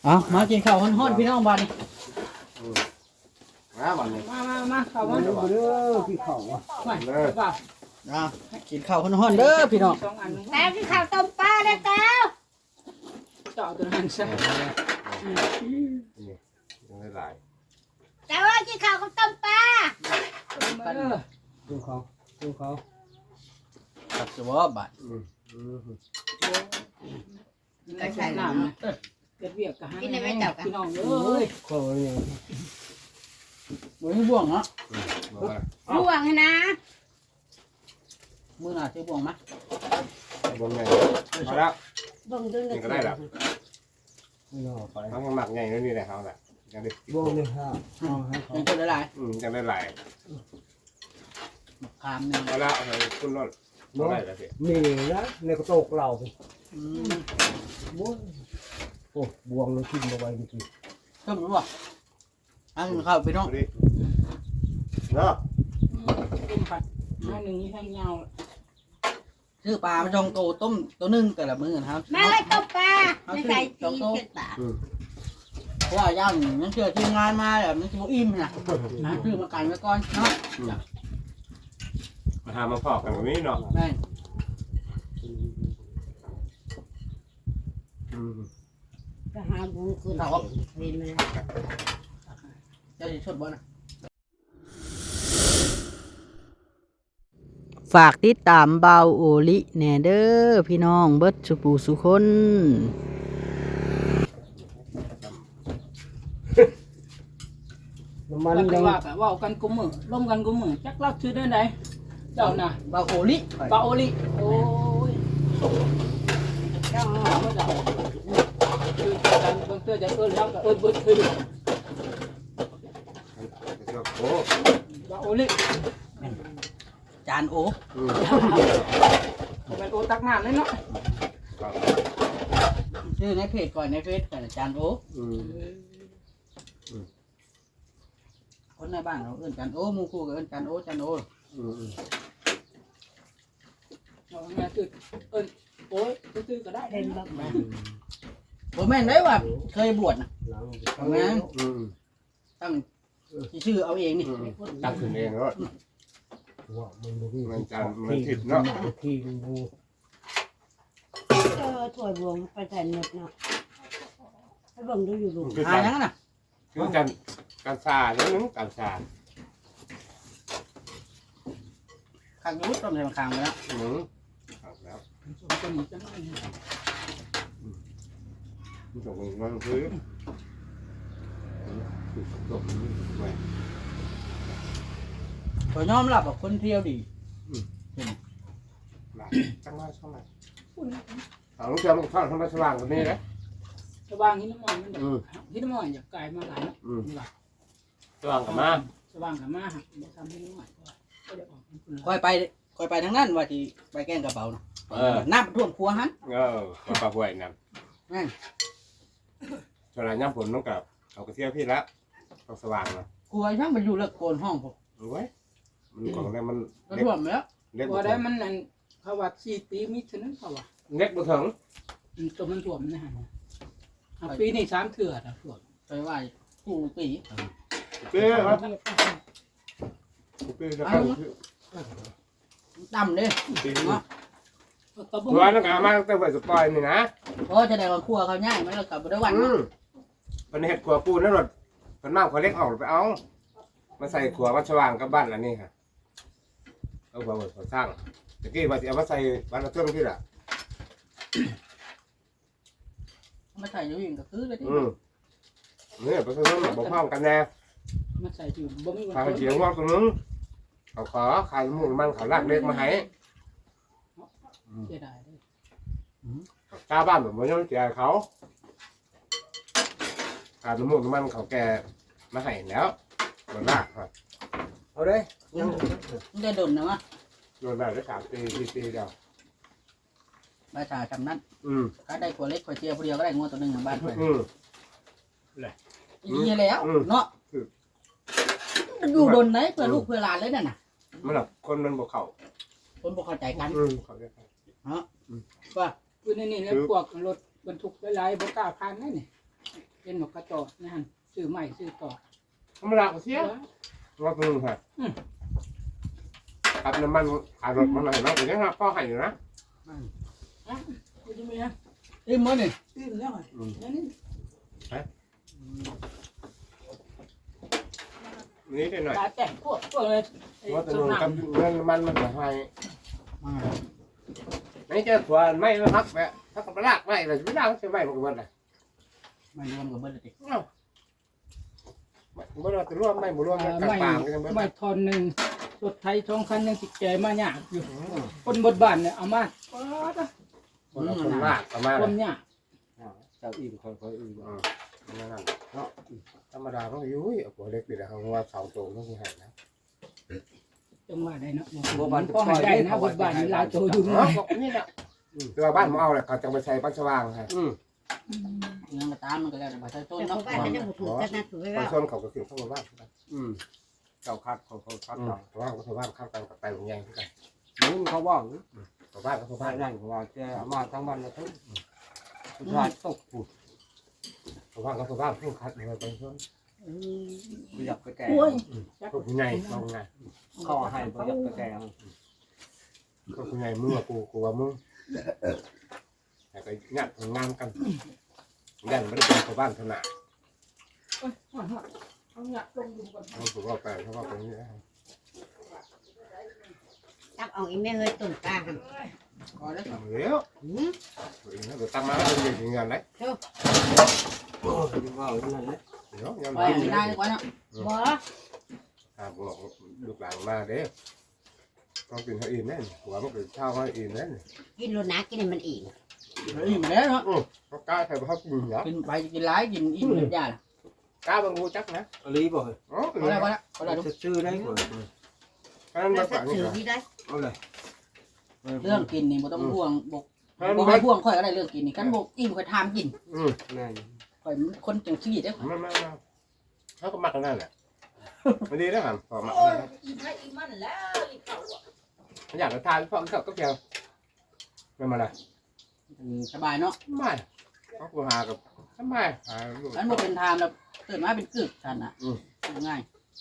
เอามากินข้าวฮ้อนๆพี่น้องบ้านนี่มาบ้านนี้มาเข้ามาเด้อพี่เขาอ่ะไม่เปล่าเอากินข้าวฮ้อนๆเด้อพี่น้องสองอันนึงแต่ที่ข้าวต้มปลาได้แล้วเจาะตัวนั้นซะยังได้หลายแต่ว่าที่ข้าวก็ต้มปลามาเด้อดูเขาครับสวัสดีบาทกินได้ใช้น้ำนะเกิดเวียกกับหาพี่น้องเอ้ยเขาเนี่ยมื้อนี้บ่วงเนาะห่วงนะมื้อหน้าสิบ่วงมั้ยบวงใหญ่เอาละบ่งดึงนี่ก็ได้แล้วไม่รอไปทั้งหมักใหญ่นี่แหละเขาแหละยังได้วงเลยฮะเอาให้เขายังคนหลายยังได้หลายๆมะขามนึงเอาละเอาไปคุณรถเอาได้แล้วสิมีนะในกระโตกเราอืมโอ้บวงเลยทิ้งเอาไว้ดิต้มรู้บ่เอากินข้าวพี่น้องดิเนาะต้มผัดมาหนึ่งนี่ให้ยาวซื้อปลามาจองโตต้มตัวนึงแต่ละมื้อนะครับแม่เลยต้มปลาไม่ใส่ตีเผ็ดปลาเพราะว่าย่างมันเชื่อทีมงานมาแบบมันสิบ่อิ่มนะซื้อมาไก่ไว้ก่อนเนาะมาทำมาพอกกันแบบนี้เนาะแม่งจะหาบุญคุณเห็นไหมเจ้าสิชดบ่นะฝากติดตามเบาโอลิแหน่เด้อพี่น้องเบิดสุปูสุคนน้ำมันแล้วก็ยังว่าแบบว่ากันกุมมือร่วมกันกุมมือจักรักชื่อได้ไหนเจ้าน่ะเบาโอลิปาโอลิโอ้ยเจ้าไม่ได้คือการบางเตื้อจะเอิ้นแล้วก็เอิ้นเบิดคือโอ้ปาโอลิจานโอเป็นโอตักน้ำเลยเนาะชื่อในเพจก่อนในเฟซก่อนจานโอคนในบ้านเราเอิ้นจานโอหมู่คู่ก็เอิ้นจานโอจานโอเอาแม่คือเอิ้นโอ้ยซื้อก็ได้เห็นแบบบ่แม่นได้ว่าเคยบวชนะหลังทำงานตั้งชื่อเอาเองนี่ตั้งขึ้นเองแล้วว่ามันดูที่มันจานมันผิดเนาะที่ดูถั่วบวงไปใส่เน็ตเนาะให้บ่งดูอยู่ลูกคือหาการยังน่ะคือการซาแล้วนึงการซาข้างยุ้ต้องใส่มาข้างไปแล้วแล้วจะมีจะไม่ส่งมันคือส่งไปก็ยอมรับว่าคนเที่ยวดีหลายจังหวะเท่าไหร่เอาลูกเจ้าลูกท่านทำไมสว่างกว่านี้นะสว่างหินน้ำมันมันหินน้ำมันอยากกลายมาหลายเนาะสว่างกับมาสว่างกับมาหักทำหินน้ำมันก็จะออกเป็นคนค่อยไปทางนั้นว่าที่ไปแกล้งกระเป๋านะน้ำท่วมครัวหันปลาห่วยนั่นฉลาดย่ำผลต้องกับเอากระเทียมพี่ละต้องสว่างนะครัวช่างมันอยู่เลิกโกนห้องผมรู้ไหมมันของอะไรมันก็ท่วมแล้วเล็กพอได้มันนั่นเขาว่า4 ปีมิฉะนั้นเขาว่าเล็กบ่ถึงตัวมันถ่วมนะฮะปีนี้3 เถื่อนะถ่วมไปไหว้กูปีเป้ครับเป้จะเข้าดำเลยปีเนาะก็บ่ร้อยนักมาตั้งแต่ไว้สปอยนี่นะเพราะจะได้ว่าครัวเขาง่ายไหมเรากลับไปได้วันมันเห็ดขัวปูนั่นหรอมันมากขวเล็กออกไปเอามาใส่ขัวมาสว่างกับบ้านอันนี้ค่ะเอาขัวสร้างตะกี้ว่าจะเอามาใส่บ้านเราเพิ่มที่ละมาใส่อยู่อย่างก็คือเลยที่เนี่ยไปซื้อมาบอกพ่อกันแน่มาใส่อยู่บ่มีขายเสียงว่าตรงนึงเขาขอขายหมูมันเขาลากเล็กมาให้เสียดายเลยตาบ้านแบบมันยังเสียเขาขายหมูมันเขาแกมาให้แล้วมันลากครับเอาเลยยังมันได้ดนนะวะโดนได้ได้3 ปี4 ปีเดียวมาจ่าจำนั้นอืมก็ได้ขวดเล็กขวดเจียวผู้เดียวก็ได้งวดตัวหนึ่งของบ้านไปอืมอีแล้วเนาะอยู่ดนไหนเพื่อลูกเพื่อหลานเลยนั่นน่ะมันแบบคนมันบอกเขาคนบ่เข้าใจกันเขาจะว่าคือนี่แล้วพวกรถบรรทุกหลายๆบ่กล้าผ่านนั่นนี่เป็นนกกระจอกนั่นซื้อใหม่ซื้อต่อธรรมดาก็เสียรถนึงค่ะขับน้ำมันขายรถมันอะไรบ้างแต่ยังพ่อให้อยู่นะคุณจะมีนะอิ่มมั้ยนี่ตื้มแล้วไงนี่นี่ได้หน่อยตาแต่งพวกเลยว่าแต่นึงกับเงินมันจะให้ไม่เจอขวานไม่ฮักแบบถ้ากับลากไม่เลยไม่ได้ใช่ไหมบางวันเลยไม่รวมกับเบิดเลยติไม่เราจะร่วมไม่บุร่วมกันปางกันไม่ทอนหนึ่งสุดไทยช่องคันยังติดใจมายากอยู่คนบดบ้านเนี่ยเอามาคนลากประมาณคนเนี่ยเจ้าอิ่มค่อยๆอิ่มนั่นเนาะธรรมดาเขาอยู่หัวเล็กดีนะเขาว่าเสาโตต้องมีหายนะจังหวะได้นะพ่อหายได้นะบดบ้านลายโตอยู่นี่นี่แหละตัวบ้านผมเอาแหละเขาจะไปใช้บ้านสว่างฮะยังกระตามมันก็แล้วแต่บ่ใช่ต้นแต่เนาะเขาบ้านจะบุกกันนะถือบางว่าส่วนเขาก็คือเข้ามาบ้านเจ้าคัดเขาคัดเพราะว่าเขาบ้านข้างกันกับไตของใหญ่ที่กันมึงเขาบอกเขาบ้านเขาบ้าบ้าน นนั่นเขาว่าจะมาทั้งบ้านเลยทั้งสุดท้ายตกผุดเขาบ้านเขาบ้านเพิ่งคัดมาเป็นส่วนอยากไปแก่พวกใหญ่เขาไงเขาให้ไปอยากไปแก่พวกใหญ่มึงกับกูว่ามึงแต่ไปงัดงานกันยันไม่ได้เป็นเขาบ้านขนาดเอาเนี่ยลงดูก่อนเขาถูกเอาไปเขาว่าตรงนี้ตักเอาอีแม่เฮ้ยตุ่นปลาหันพอแล้วเดี๋ยวเดี๋ยวตั้งมาแล้วเป็นเงินไหนว่านั่นแหละเดี๋ยวยังไปได้ดีกว่าเนาะบ่บอกลูกหลานมาเด้ต้องกินให้อิ่มแน่หัวมันเป็นข้าวให้อิ่มแน่กินโลนะกินให้มันอีกอิ่มแล้วเนาะเขากล้าใครเขากินเหรอกินไปกินหลายกินอิ่มเลยจ้ากล้าบางกูจักนะอะไรบ่เฮ้ยอ๋อพอแล้วพอแล้วพอแล้วชื่อได้ก่อนเพราะนั้นแล้มาวก็ฝังถืนี่อที่ได้เอาเลยเรื่องกินนี่บ่ต้องห่วงบ่เพราะนั้นบ่ให้ห่วงค่อยก็ได้เรื่องกินนี่กันบ่อิ่มค่อยทามกินแม่ค่อยคนจังซี่เด้อไม่เขาก็มักกันนั่นแหละไม่ดีนะครับพอมักอีไทยอีมันแล้วอีเขาอ่ะอยากจะทานพอเขาก็เกี่ยวไม่มาละสบายเนาะไม่เขากูหากับทำไมหาลูกอันบ่เป็นทามแล้วตื่นมาเป็นกึกท่านน่ะง่าย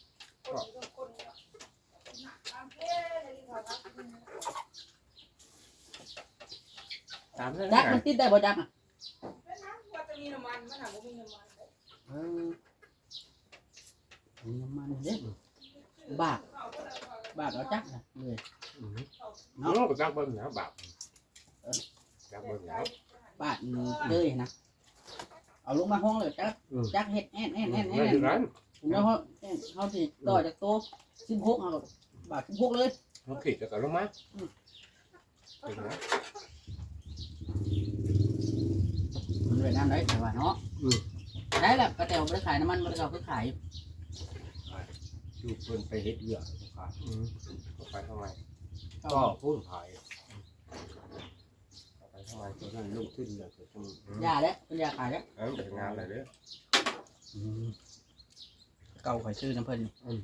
ตามเลยจักมันติดได้บ่จักอ่ะว่าจะมีน้ำมันมันหาว่ามีน้ำมันมีน้ำมันเด้บาปเอาจักเลยน้องก็จักเบิ้ลนะบาปจักเบิ้ลแล้วบาปเลยนะเอาลงมาห้องเลยจักเฮ็ดแอนไม่ถึงนั้นแล้วเขาสิต่อจากโต๊ะ16เอาบาท16เลยเขาขีดจะกับลงมาถึงนะมันเลยน้ำได้แต่ว่าเนาะได้แหละกระเตวไม่ได้ขายน้ำมันไม่ได้เอาไปขายดูเพิ่นไปเฮ็ดเยอะขาดไปทำไมก็พูดขายไปทำไมตอนนั้นลงทุนเลยก็ต้องยาเด้เป็นยาขายเด้เป็นงานอะไรเด้อเก่าข่อยซื้อน้ำเพิ่น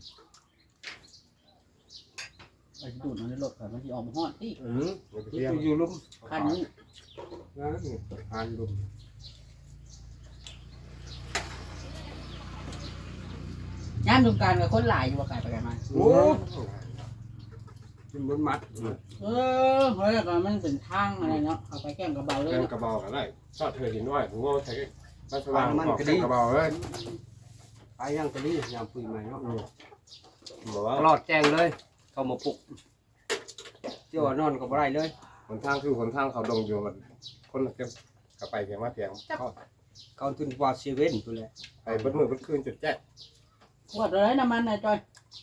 ไปดูดมันในรถข่อยมันจะออกมาฮอดที่ไปเที่ยวอยู่ลุ่มคันนี้นะนี่ทานลุ่มย่ามสงการกับคนหลายอยู่ว่าไกลไปกันมาโอ้เป็นบนมัดเฮ้ยก็มันเป็นทางอะไรเนาะเอาไปแก้มกระเบาเลยเล่นกระบอกอะไรชอบเธอหินน้อยผมก็ใช้บ้านสว่างบอกเล่นกระบอกเลยไปย่างตะลี่ยามคุยใหม่เนาะบอกว่าตลอดแจ้งเลย เข้ามาปลุกเจ้านอนก็บ่ได้เลยหนทางคือหนทางเขาดงอยู่มันคนจะกลับไปเพียงว่าเพียงเข้าเขาทุนกว่าเซเว่นตัวแหละไปบดมือบดคืนจุดแจ๊กขวดเลยน้ำมันนายจอย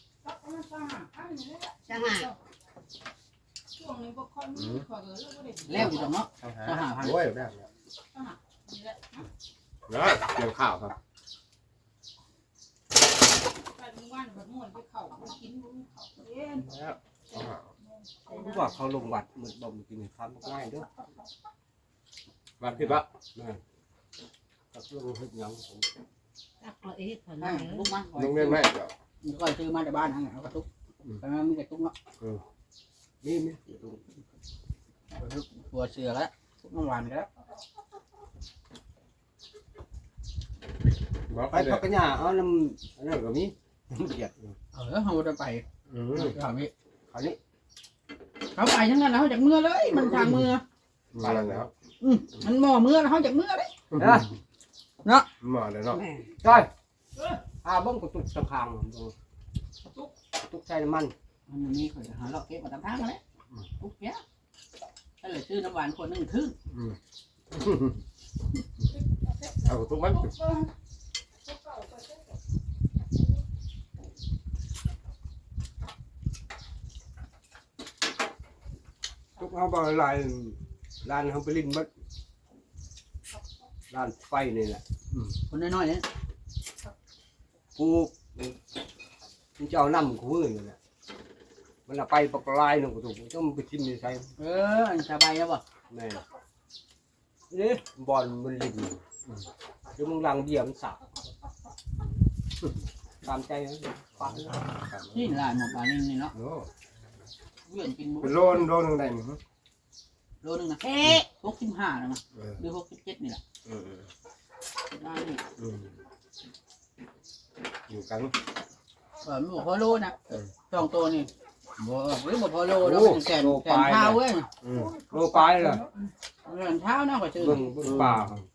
สหาช่วงนี้พวกคนขอเออแล้วก็ได้แล้วอยู่ตรงเนาะโอ้ยได้แล้วนะเตรียมข้าวครับไปมึงว่านแบบม่วนไปเขาไปกินมึงเขาเล่นแล้วรู้ว่าเขาลงวัดเหมือนบ่มกินข้าวง่ายเด้อมาผิดปะกับลงเฮ็ดหยังผมตักเอาอีกคนให้นึงลูกมาลงเรียนไหมเดี๋ยวก็ซื้อมาจากบ้านนั่นแหละเอากระตุกแต่มันมีกระตุกเนาะนี่ตัวเสือแล้วทุกน้ำหวานแล้วไปพักกันหญ้าเอาน้ำอันนั้นก็มีน้ำเดือดเขาจะไปอืมคราวนี้คราวนี้เขาไปทั้งนั้นแล้วเขาจากเมื่อเลยมันทางเมื่อมาแล้วมันหม้อเมื่อแล้วเขาจากเมื่อเลยนะมาแล้วเนาะแม่ใช่เบิ่งกระตุกตะคางตุกใส่น้ำมันมันมีคนหาเราเก็บมาตามทางกันแล้วทุกเนี้ยนั่นเลยชื่อน้ำหวานคนนึงทึ่งเอาทุกมันตุกเอาไปลายลานเขาไปลิ้นบัดลานไฟนี่แหละคนน้อยๆเนี่ยกูมันจะเอาน้ำกูมือนี่แหละมันเอาไปปกลายหนึ่งกูถูกต้องไปทิมในใส่อันสบายแล้วบ่แม่นี่บอลมันลิ้นคือมึงลังเบียร์มันสับตามใจนะฟังที่ร้านหมดปลานิ่นี่เนาะโอ้เวียนกินบุเป็นโลนึงได้มั้งโลนึงนะ65นะมั้งหรือ67นี่แหละได้นี่อยู่กันไม่บอกพอโลนะสองตัวนี่บ่หรือบ่พอโลแล้วเป็นแสนเท้าเว้ยโลปลายเลยแสนเท้านะกว่าชื่อเบิ่งป่า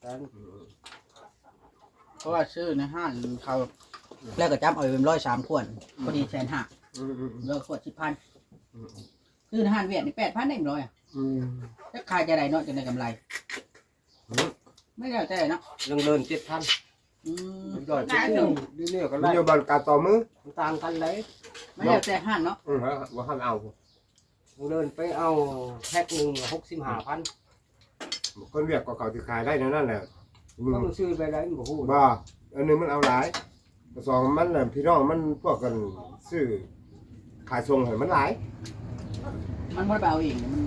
เพราะว่าชื่อในห้างเขาแล้วก็จับเอาเป็น103ขวดพอดี150,000แล้วขวด10,000ชื่อในห้างเวียดนี่8,000ได้100อ่ะถ้าขายจะได้เนาะจะได้กำไรไม่ได้แต่เนาะยังเดิน7,000ยอดชิ้นเรื่อยๆก็มันไล่อยู่บ้านกาต่อมือต่างกันเลยไม่ได้แต่ห้างเนาะว่าห้ามเอาเดินไปเอาแพ็คหนึ่ง65,000 คนเวียดก็เขาที่ขายได้นั่นแหละต้องซื้อไปได้บ่ฮู้บ่อันนึงมันเอาหลายสองมันน่ะพี่น้องมันพวกกันซื้อขายส่งให้มันหลายมันบ่ได้เอาเองมัน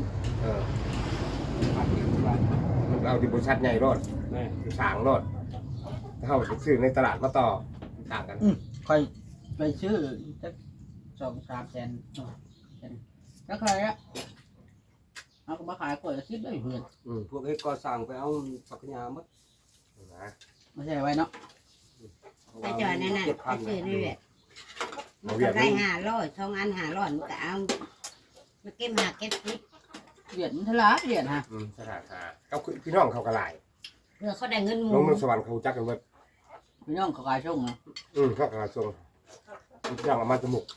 มันเอาที่บริษัทใหญ่รอดแม่ที่สางรอดถ้าเขาไปซื้อในตลาดมาต่อต่างกันค่อยไปชื่อจะ2-3 แสนแล้วใครอะเอาก็มาขายขวดละ10ได้เพื่อนพวกเฮ็ดก่อสร้างไปเอาปักญาหมดนะไม่ใช่ไว้เนาะไปจอดนั่นน่ะไปซื้อนี่แหละมันก็ได้500 2 อัน500มันก็เอามาเก็บหาเก็บสิเหรียญทลาเหรียญฮะสถานหาเขาพี่น้องเขากระไรเพื่อเขาได้เงินหลมู่งเมืองสวรรค์เขาจักกันหมดพี่น้องเขาขายช่งเนาะเขากระทรวงจ้างเอามาจมูก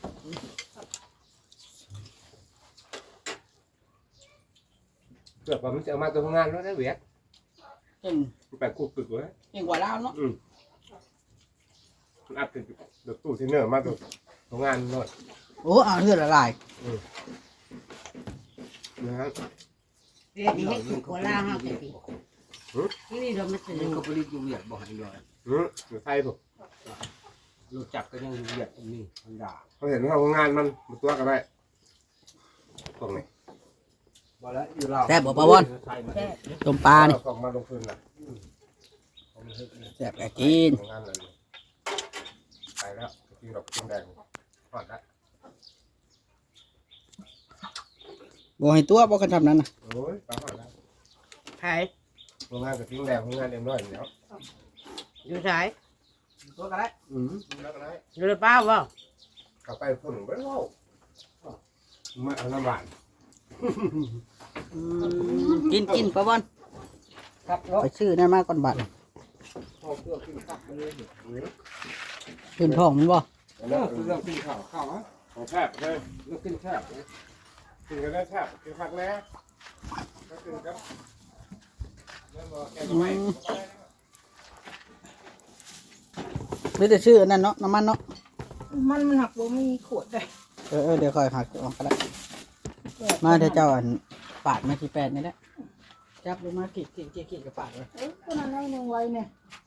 เกิดว่ามันจะเอามาตัวงานแล้วได้เวียดเก่งไปกูปึกไว้เก่งกว่าเราเนาะมันอัดเป็นเดือดตู้ที่เนื้อมาตัวงานนวดโอ้เอาเลือดละลายนะครับเรียกนี่ให้ถูกกว่าลาวเฮาจังซี่นี่เรามาซื้อนี่ก็ผลิตอยู่เวียดบ่ให้ย่อยอยู่ไทยผมรู้จักก็ยังอยู่เวียดอันนี้มันด่าเขาเห็นว่างานมันตัวกันได้ตรงนี้บ่แล้วอยู่ลาวแซ่บบ่ปะวอนใส่มาแค่ต้มปลานี่ส่งมาลงทุนนะแซ่บแกกินงานเลยไปแล้วกินดอกกินแดงทอดแล้วบ่ให้ตัวบ่กันทำนั้นน่ะโอ้ยปลาทอดแล้วขายงานกับทิ้งแดงงานเอ็มร้อยแล้วอยู่ไสตัวกันได้แล้วก็ได้อยู่ในป้าบ่เข้าไปคนไม่รู้มาเอาน้ำหวานกินปะบอนครับเนาะไปซื้อนั่นมาก่อนบัดพอเพื่อกินข้าวเลยขึ้นท้องมันบ่เรื่องคือเรื่องกินข้าวข้าวฮะของแทบเลยเรื่องกินแซ่บนะกินกันได้แทบกินผักแล้วก็กินครับนั่นบอกแกก็ไม่หรือจะชื่ออันนั้นเนาะน้ำมันเนาะมันหักบ่มีขวดเลยเดี๋ยวค่อยหักออกก็ได้มาเดี๋ยวเจ้าอันปาดมาที่แปดนี่แหละจับลงมาขีดกับปาดเลยก็นั่นให้หนึ่งไว้เนี่ย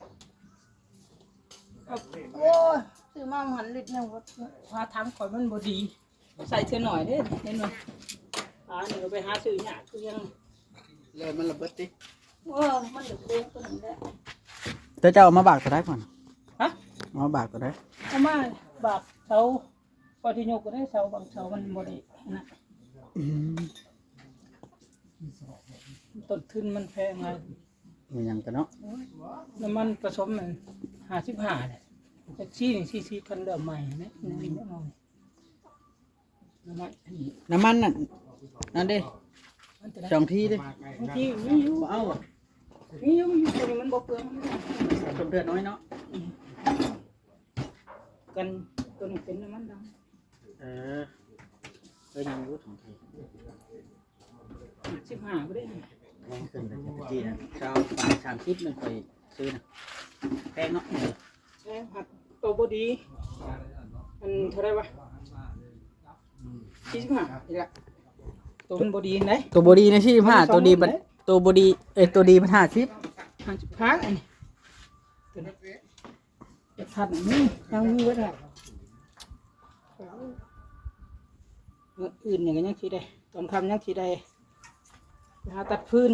โอ้ยซื้อมาหันลิตรหนึงว่าพาทำข่อยมันบ่ดี ใส่เท่าหน่อยเด้เห็นไหมนี่ก็ไปหาซื้อหยาคือยังเลยมันระเบิดติมันเดือดเด้งตัวนั้นแหละเดี๋ยวเจ้าเอามาบากก็ได้ก่อนฮะเอามาบากก็ได้เอามาบากเสาพอที่ยกก็ได้เสาบางเสามันบ่ได้นะต้นทุนมันแพงไงมีหยังกันเนาะน้ำมันผสมมัน 55เนี่ยแท็กซี่นี่40คันเริ่มใหม่นะนี่เอาน้ำมันอันนี้น้ำมันนั่นเด้มันจะได้สองที่เด้บางทีมีอยู่เอามีอยู่ตัวนี้มันบ่เปลืองสมเดือดน้อยเนาะกันตัวนี้เป็นน้ำมันดำยังรู้สองที่ 15บ่ได้นี่แพงขึ้นแต่ที่นะชาวฝ่าย30มันไปซื้อนะแพงเนาะแช่ผักตัวบ่ดีมันเท่าไหร่วะ45นี่แหละตัวมันบ่ดีไหนตัวบอดีนะที่15ตัวดีมันตัวบอดีตัวดีมัน50 55อันนี้ตัวนี้จะทัดนี่ยังมีไว้ได้เมื่ออื่นอย่างยังสิได้ตอนค่ำยังสิได้ไปหาตัดฟืน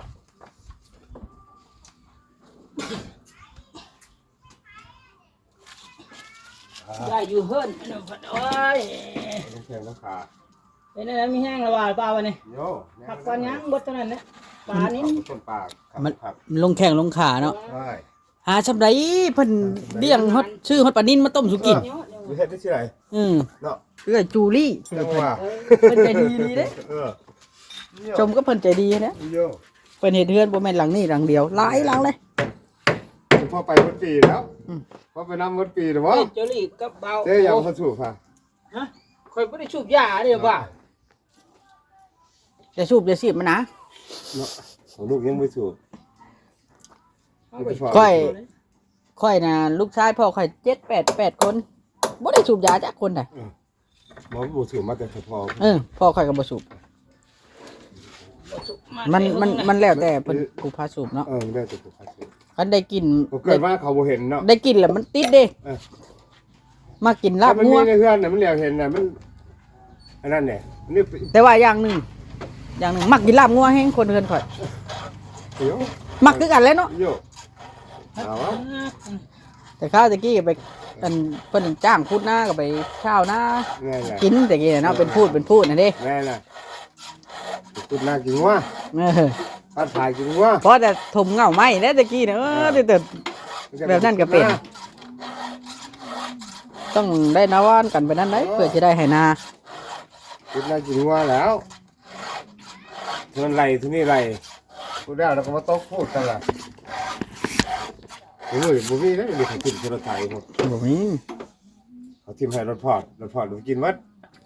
ได้อยู่เฮิร์นอันนั้นพัดโอ้ยต้องแข่งต้องขาเป็นอะไรมีแห้งระบายเปล่าวะเนี่ยโยผักปลายังบดเท่านั้นนะปลานี้ต้นปากมันครับลงแข่งลงขาเนาะใช่หาชำไดเพิ่นเลี้ยงฮอดชื่อฮอดปลานิ่นมาต้มสุกินไม่ใช่ที่ชื่ออะไร เนาะคือไอ้จูลี่ชื่อจังเพิ่นว่าเพิ่นใจดีดีเด้เออชมก็เพิ่นใจดีนะโยเพิ่นเฮ็ดเฮือนบ่แม่นหลังนี้หลังเดียวหลายหลังเลยพ่อไปวัดปีแล้วอืมพ่อไปน้ำวัดปีหรือเฮ้วะยเจอรี่กับเบาเจ๊ยังเขาสูบค่ะฮะคอยไม่ได้ชูบยาเดี๋ยวว่าจะสูบจะสีบมันนะเนาะของลูกยังไม่สูบค่อยน่ะลูกชายพ่อค่อย8 คนบ่ได้สูบยาจักคนน่ะหมอบูสูบมาแต่พอพ่อค่อยก็บ่สูบมันแล้วแต่เพิ่นกูพาสูบเนาะได้แต่ผมพาสูบคันได้กินเกิดว่าเขาบ่เห็นเนาะได้กินแล้วมันติดเด้มากินลาบมันงัมีวในเพื่อนน่ะมันเหลียวเห็นน่ะมันอันนั้นเนี่ยนี่แต่ว่าอย่างหนึงมักกินลาบงัวแฮงคนเฮือนข่อยเดี๋ยวมักคือกันแหล้วเนาะโยเอาวะแต่ข้าวตะกี้ไปอันเพิ่นจ้างพูดหน้าก็ไปเช้าหน้าแน่แหละกินตะกี้เนาะเป็นพูดน่ะเด้แน่แหละคุณน่ากินว่าเออป้าถ่ายกินว่าเพราะแต่ถมเหงาไหมแล้วตะกี้เนี่ยแต่แบบนั้นก็เป็น ต้องได้นาวานกันไปนั้นได้เพื่อจะได้ให้นาคุณน่ากินว่าแล้วเงินไหลที่นี่ไหลพูดได้แล้วก็มาโต๊ะพูดกันล่ะโอ้ยบุมีนะมีของกินรถไถหมดบ่มีเขาทิมให้รถพอดดูกินวัด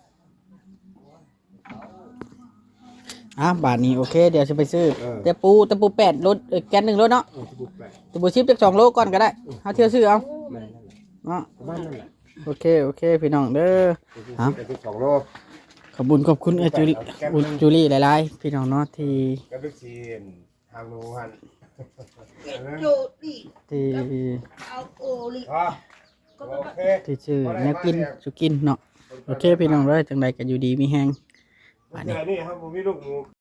บาทนี้โอเคเดี๋ยวจะไปซื้อแต่ปู8รถแกน1รถเนาะตะปูชิปจัก2โลก่อนก็ได้เฮาเที่ยวซื้อเอาเนาะบ้านนั่นแหละโอเคพี่น้องเด้อไป2 โลขอบคุณจูลี่หลายๆพี่น้องเนาะที่ก็ไปชีนทางนู้นจูดิที่เอาโอลิโอเคที่ชื่อแนวกินสุกินเนาะโอเคพี่น้องเด้อจังใดก็อยู่ดีมีแฮงนี่ครับผมมีลูกหมู